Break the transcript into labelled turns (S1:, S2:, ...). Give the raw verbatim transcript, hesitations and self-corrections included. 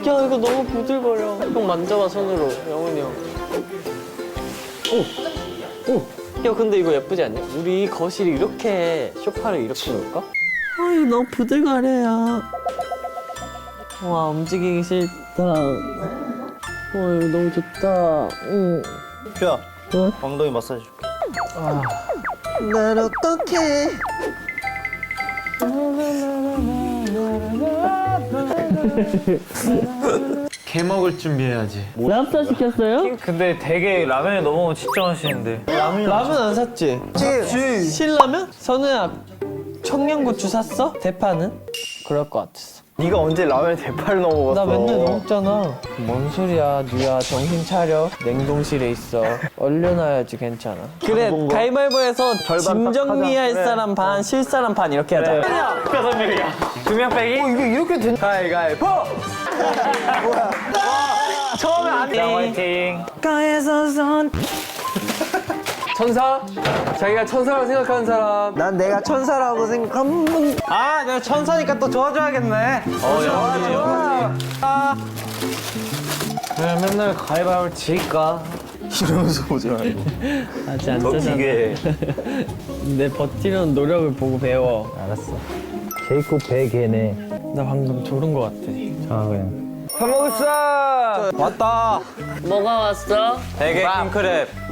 S1: 야 이거 너무 부들거려. 형 만져봐 손으로, 영훈이 형. 오, 오. 야 근데 이거 예쁘지 않냐? 우리 거실이 이렇게 소파를 이렇게 놓을까? 아 이거 너무 부들거려요. 와 움직이기 싫다. 와 이거 너무 좋다. 응.
S2: 퓨야,
S1: 응?
S2: 엉덩이 마사지 줄게.
S1: 아. 난 어떡해.
S3: 개 먹을 준비해야지.
S1: 랍스터 시켰어요?
S4: 근데 되게 라면에 넘어오면 진짜 맛있는데.
S1: 라면 안 샀지? 샀지. 신라면? 선우야 청양고추 샀어? 대파는? 그럴 것 같았어.
S2: 네가 언제 라면에 대파를 넣어 먹었어?
S1: 나 맨날 먹잖아. 뭔 소리야, 누야 정신 차려. 냉동실에 있어. 얼려놔야지 괜찮아. 그래, 가위바위보해서 짐 정리할
S2: 그래.
S1: 사람 반, 실 사람 반 이렇게 하자.
S4: 다섯 명이야. 두 명 빼기?
S2: 어, 이게 이렇게 된?
S1: 가위바위보!
S4: 처음에 안 돼. 화이팅.
S1: 가에서 선. 천사? 자기가 천사라고 생각하는 사람.
S2: 난 내가 천사라고 생각하면.
S1: 아, 내가 천사니까 또 도와줘야겠네.
S4: 어, 좋아, 좋아.
S1: 아,
S4: 왜 맨날 가위바위보를 질까?
S2: 이러면서 보지 말고.
S1: 아직 안
S2: 더
S1: 짜잖아.
S2: 기게.
S1: 내 버티는 노력을 보고 배워.
S4: 알았어. 케이크 배 개네.
S1: 나 방금 졸은 것 같아.
S4: 자, 그냥.
S1: 밥 먹었어. 왔다. 뭐가 왔어?
S4: 대게 킹크랩.